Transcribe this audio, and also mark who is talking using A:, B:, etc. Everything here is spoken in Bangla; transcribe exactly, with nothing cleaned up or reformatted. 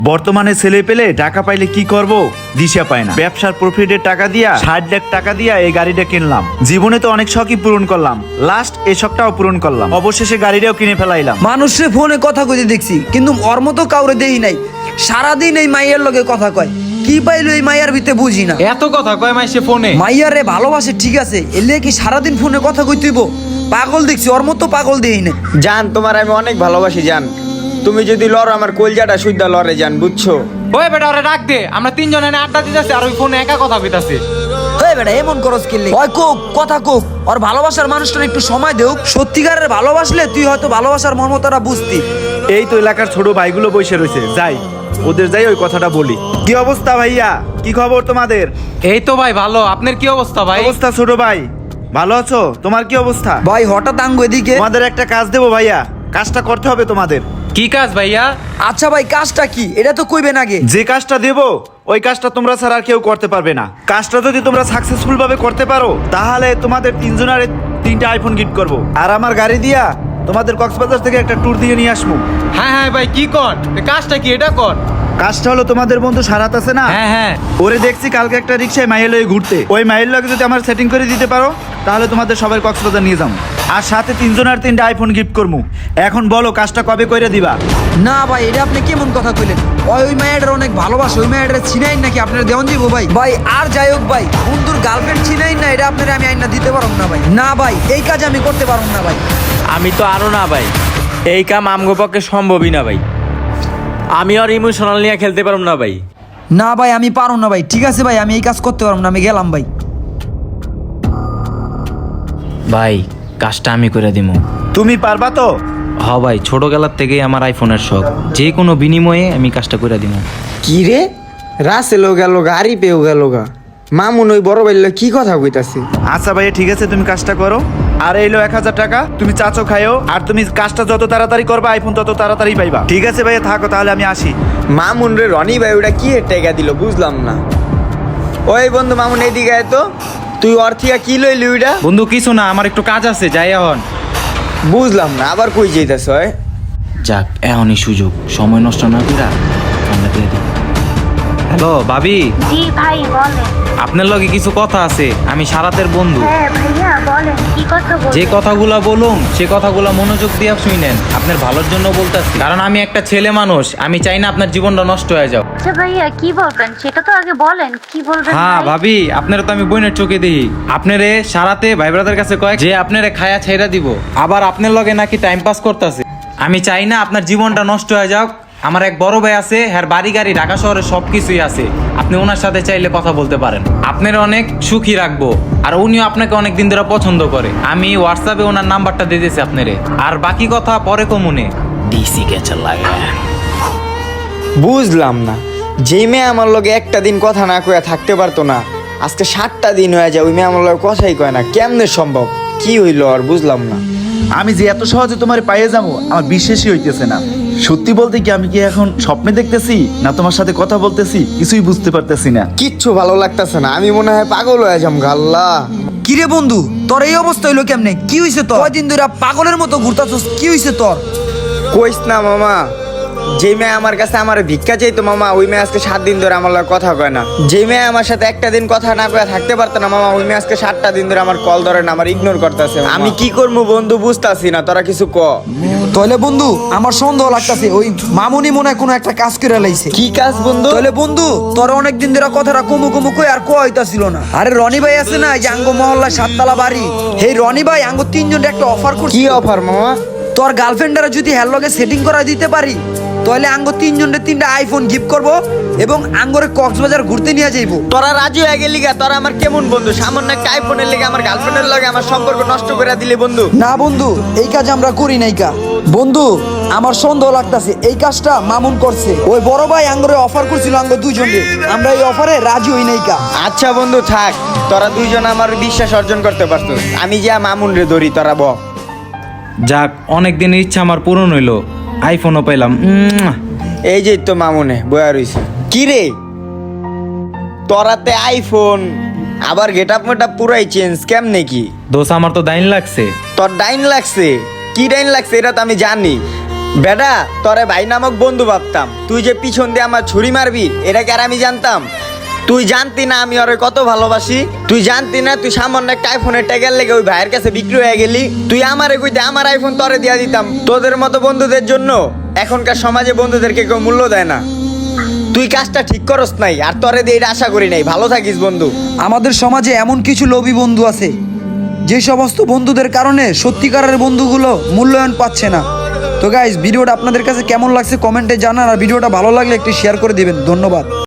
A: বর্তমানে ছেলে পেলে টাকা পাইলে কি করব দিশা পায় না। ব্যবসার প্রফিটের টাকা দিয়া ষাট লাখ টাকা দিয়া এই গাড়িটা কিনলাম। জীবনে তো অনেক শখই পূরণ করলাম, লাস্ট এই শখটাও পূরণ করলাম, অবশেষে গাড়িটাও কিনে ফেলাইলাম।
B: মানুষের ফোনে কথা কইতে দেখছি, কিন্তু ওর মতো কাউরে দেই নাই। সারাদিন এই মাইয়ার লগে কথা কয়, কি পাইলো এই মাইয়ার ভিতরে বুঝি না।
C: এত কথা কয় মাইসে ফোনে।
B: মাইয়ার রে ভালোবাসে ঠিক আছে, এলে কি সারাদিন ফোনে কথা কইতেইব? পাগল দেখছি, ওর মতো পাগল দেই না।
D: জান, তোমার আমি অনেক ভালোবাসি জান। তুমি যদি লড়ো আমার কলজাটা সুদ্ধা লড়ে জান, বুঝছো?
C: ওই বেটা ওরে ডাক দে, আমরা তিনজন এনে আড্ডা দিতেছি আর ওই ফোনে একা কথা কইতাছে।
B: ওই বেটা এমন করস কিনলে ওই কোক কথা কোক, ওর ভালোবাসার মানুষটার একটু সময় দেও। সত্যিকারের ভালোবাসলে তুই হয়তো ভালোবাসার মর্মতাটা বুঝতি।
A: এই তো এলাকার ছোট ভাইগুলো বসে রয়েছে, যাই ওদের যাই ওই কথাটা বলি। কি অবস্থা ভাইয়া, কি খবর তোমাদের?
C: এই তো ভাই ভালো, আপনার কি অবস্থা ভাই?
A: অবস্থা ছোট ভাই, ভালো আছো? তোমার কি অবস্থা?
B: ভাই হঠাৎ আঙ্গু এদিকে।
A: তোমাদের একটা কাজ দেবো ভাইয়া, কাজটা করতে হবে তোমাদের।
C: কি কাজ ভাইয়া?
B: আচ্ছা ভাই কাজটা কি এটা তো কইবেন আগে।
A: যে কাজটা দেবো ওই কাজটা তোমরা ছাড়া আর কেউ করতে পারবে না। কাজটা যদি তোমরা সাকসেসফুল ভাবে করতে পারো তাহলে তোমাদের তিনজনের তিনটা আইফোন গিফট করব, আর আমার গাড়ি দিয়া তোমাদের কক্সবাজার থেকে একটা ট্যুর দিয়ে নিয়ে আসবো।
C: হ্যাঁ হ্যাঁ ভাই কি কর, এ কাজটা কি এটা কর।
A: কাজটা হলো তোমাদের বন্ধু সারাত আছে না,
C: হ্যাঁ হ্যাঁ
A: ওরে দেখছি কালকে একটা রিক্সায় মাইল হয়ে ঘুরতে, ওই মাইল লগে যদি আমার সেটিং করে দিতে পারো তাহলে তোমাদের সবাই কক্সবাজার নিয়ে যাবো, আর সাথে তিনজনের তিনটা আইফোন গিফট করবো। এখন বলো কাজটা কবে করে দিবা?
B: না ভাই এটা আপনি কেমন কথা কইলেন? ওই ওই মায়ের অনেক ভালোবাসে, ওই মায়ের চিনাই নাকি আপনার দেওয়ান দিব ভাই? ভাই আর যাই হোক ভাই, বন্ধুর গার্লফ্রেন্ড চিনাই না, এটা আপনার আমি আইনা দিতে পারব না ভাই। না ভাই এই কাজ আমি করতে পারব না ভাই।
E: আমি তো আরো না ভাই, এই কাম আমগো পক্ষে সম্ভবই না ভাই। আমি আর ইমোশনাল নিয়ে খেলতে পারব না ভাই।
B: না ভাই আমি পারব না ভাই। ঠিক আছে ভাই আমি এই কাজ করতে পারব না, আমি গেলাম ভাই।
E: ভাই কাজটা আমি করে দিমু।
A: তুমি পারবা তো?
E: হ ভাই, ছোটবেলার থেকেই আমার আইফোনের শখ, যে কোনো বিনিময়ে আমি কাজটা করে দিমু।
D: কি রে, রাসেলও গেল গা, আরি পেও গেল গা, মামুন ওই বড় বাইল কি কথা কইতাছে?
A: আচ্ছা ভাইয়া ঠিক আছে, তুমি কাজটা করো। আর এইলো এক হাজার টাকা, তুমি চাচো খাইও, আর তুমি কাজটা যত তাড়াতাড়ি করবা আইফোন তত তাড়াতাড়ি পাইবা। ঠিক আছে ভাইয়া থাকো তাহলে, আমি আসি।
D: মামুন রে রনি ভাই ওটা কি টেকা দিল বুঝলাম না। ওই বন্ধু মামুন এইদিকে আয় তো, তুই ওর থেকে কি লইলি ওইটা?
C: বন্ধু কিছু না, আমার একটু কাজ আছে, যাই এখন।
D: বুঝলাম না, আবার কই যাইতাছ?
E: যাক এখনই সুযোগ, সময় নষ্ট না কইরা আমরা দিয়ে দিই।
C: হ্যালো ভাবি,
F: জি ভাই বলেন।
C: আপনার লগে কিছু কথা আছে, আমি সারাতের বন্ধু।
F: হ্যাঁ ভাইয়া বলেন, কি কথা বলবেন?
C: যে কথাগুলা বলুম সে কথাগুলা মনোযোগ দিয়ে শুনেন, আপনার ভালোর জন্য বলতেছি, কারণ আমি একটা ছেলে মানুষ, আমি চাই না আপনার জীবনটা নষ্ট হয়ে যাও।
F: আচ্ছা ভাইয়া কি বলবেন সেটা তো আগে বলেন, কি বলবেন?
C: হ্যাঁ
F: ভাই?
C: ভাবি, আপনারা তো আমি বোনের চোখে দিই, আপনারে সারাতে ভাই ব্রাদার কাছে কয় যে আপনারে খায়া ছেড়া দিব, আবার আপনার লগে নাকি টাইম পাস করতেছে। আমি চাই না আপনার জীবনটা নষ্ট হয়ে যাক। আমার এক বড় ভাই আছে, হ্যাঁ বাড়ি গাড়ি ঢাকা শহরে সবকিছুই আছে, আপনি ওনার সাথে চাইলে কথা বলতে পারেন, আপনার অনেক সুখী রাখবো, আর উনিও আপনাকে অনেক দিন ধরে পছন্দ করে। আমি হোয়াটসঅ্যাপে ওনার নাম্বারটা দিয়ে দিয়েছি আপনারে, আর বাকি কথা পরে কমুনে
E: ডিসি কেচার লাগে।
D: বুঝলাম না, যে মেয়ে আমার লগে একটা দিন কথা না কয়ে থাকতে পারতো না, আজকে সাতটা দিন হয়ে যায় ওই মেয়ে আমার লগে কথাই কয় না, কেমনে সম্ভব? কি হইলো আর বুঝলাম না।
A: আমি যে এত সহজে তোমার পাইয়ে যাবো আমার বিশ্বাসই হইতেছে না। সত্যি বলতে কি আমি কি এখন স্বপ্নে দেখতেছি না তোমার সাথে কথা বলতেছি কিছুই বুঝতে পারতেছি না।
D: কিচ্ছু ভালো লাগতেছে না, আমি মনে হয় পাগল হয়ে যাম আল্লাহ।
B: কি রে বন্ধু তোর এই অবস্থা হইলো কেমনে? কি হইছে তোর? কয়দিন ধরে পাগলের মতো ঘুরতাছস, কি হইছে তোর?
D: কইস না মামা, যে মেয়ে আমার কাছে আমার ভিক্ষা চাইতো মামা, ওই মেয়ে আজকে সাত দিন ধরে আমার লগে কথা কয় না। যে মেয়ে আমার সাথে একটা দিন কথা না কয়ে থাকতে পারতো না মামা, ওই মেয়ে আজকে সাতটা দিন ধরে আমার কল ধরে না, আমার ইগনোর করতেছে। আমি কি করবো বন্ধু বুঝতাছি না, তোরা কিছু ক।
B: তাহলে বন্ধু আমার সন্দেহ লাগতাছে ওই মামুনি মনে হয় কোনো একটা কাজ করে লাইছে।
D: কি কাজ বন্ধু?
B: তাহলে বন্ধু তোর অনেক দিন ধরে কথাটা কমু কমু কই আর কো হইতাছিল না। আরে রনি ভাই আছে না, এই যে আঙ্গ মহল্লা সাততলা বাড়ি, এই রনি ভাই আঙ্গ তিনজন একটা অফার করছে।
D: কি অফার মামা?
B: তোর গার্লফ্রেন্ডরা যদি হের লগে সেটিং করা দিতে পারি তাহলে আঙ্গ তিনজনের তিনটা আইফোন গিফট করব এবং আঙ্গরে কক্সবাজার ঘুরতে নিয়ে যাইবো।
D: তোরা রাজি হয়ে গেলি গা? তোরা আমার কেমন বন্ধু? সামান্য একটা আইফোনের লেগে আমার গার্লফ্রেন্ডের লগে আমার সম্পর্ক নষ্ট করে দিলি বন্ধু।
B: না বন্ধু এই কাজ আমরা করি নাই কা। বন্ধু আমার সন্দেহ লাগতাছে এই কাজটা মামুন করছে। ওই বড় ভাই আঙ্গরে অফার করছিল আঙ্গ দুইজনকে, আমরা এই অফারে রাজি হই নাই কা।
D: আচ্ছা বন্ধু থাক, তোরা দুইজন আমার বিশ্বাস অর্জন করতে পারতো, আমি যা মামুন রে ধরি, তোরা ব।
C: যাক, অনেক দিনের ইচ্ছা আমার পূরণ হইলো, আইফোনও পেলাম। উম,
D: এই যে তো মামুনে বয়া রইছে। কি রে তোরাতে আইফোন, আবার গেট আপ মেট আপ পুরাই চেঞ্জ, কেমনে কি?
C: দোষ আমার তো দাইন লাগছে।
D: তোর ডাইন লাগছে? কি ডাইন লাগছে এটা তো আমি জানি। বেটা তোরে ভাই নামক বন্ধু ভাবতাম, তুই যে পিছন দিয়ে আমার ছুরি মারবি এটা কি আর আমি জানতাম? তুই জানতি না আমি ওরে কত ভালোবাসি? তুই জানতি না তুই সামান্য একটা আইফোনের ট্যাগের লেগে ওই ভাইয়ের কাছে বিক্রি হয়ে গেলি? তুই আমারে কইতে আমার আইফোন তোরে দিয়া দিতাম। তোদের মতো বন্ধুদের জন্য এখনকার সমাজে বন্ধুদেরকে কেউ মূল্য দেয় না। তুই কাজটা ঠিক করস নাই, আর তোরে দিয়ে এটা আশা করি নাই। ভালো থাকিস বন্ধু।
B: আমাদের সমাজে এমন কিছু লোভী বন্ধু আছে যে সমস্ত বন্ধুদের কারণে সত্যিকারের বন্ধুগুলো মূল্যায়ন পাচ্ছে না। তো গাইস, ভিডিওটা আপনাদের কাছে কেমন লাগছে কমেন্টে জানান, আর ভিডিওটা ভালো লাগলে একটু শেয়ার করে দিবেন। ধন্যবাদ।